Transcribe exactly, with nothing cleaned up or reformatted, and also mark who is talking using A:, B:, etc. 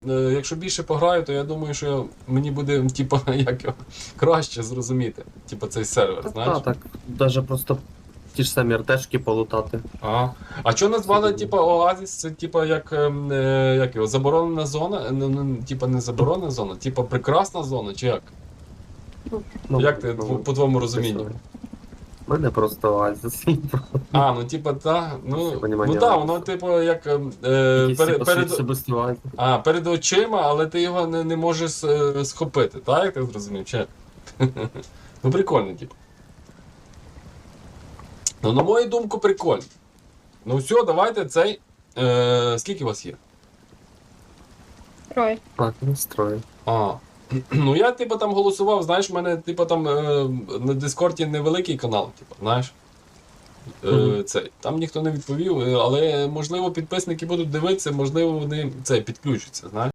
A: е, якщо більше пограю, то я думаю, що мені буде, типу, як його, краще зрозуміти. Типу, цей сервер, знаєш?
B: Так, так. Даже просто ті ж самі РТшки полутати.
A: Ага. А що назвали,
B: Сьогодні.
A: типу, Оазіс? Це типу як, ем, е, як його, заборонена зона? Ну, ну, типу, не заборонена зона, типу прекрасна зона, чи як?
B: Ну,
A: Як ти,
B: ну,
A: по твоєму розумінню?
B: У мене просто оазіс.
A: А, ну типа, так, ну,
B: Все понімання
A: ну так,
B: оазісу.
A: воно, типу, як е, е,
B: Якийсь
A: перед,
B: типу,
A: перед,
B: особистий оазіс.
A: а, перед очима, але ти його не, не можеш е, схопити, так, як ти зрозумів? Чи? як? Ну, прикольно, типу. Ну, на мою думку, прикольно. Ну все, давайте цей. Е, скільки у вас є?
C: Троє.
B: Так, настрою.
A: А. Ну я, типу, там голосував, знаєш, в мене, типу, там е, на Дискорді невеликий канал, типу, знаєш. Е,
B: Мгм.
A: цей. Там ніхто не відповів, е, але можливо підписники будуть дивитися, можливо вони цей підключаться, знаєш.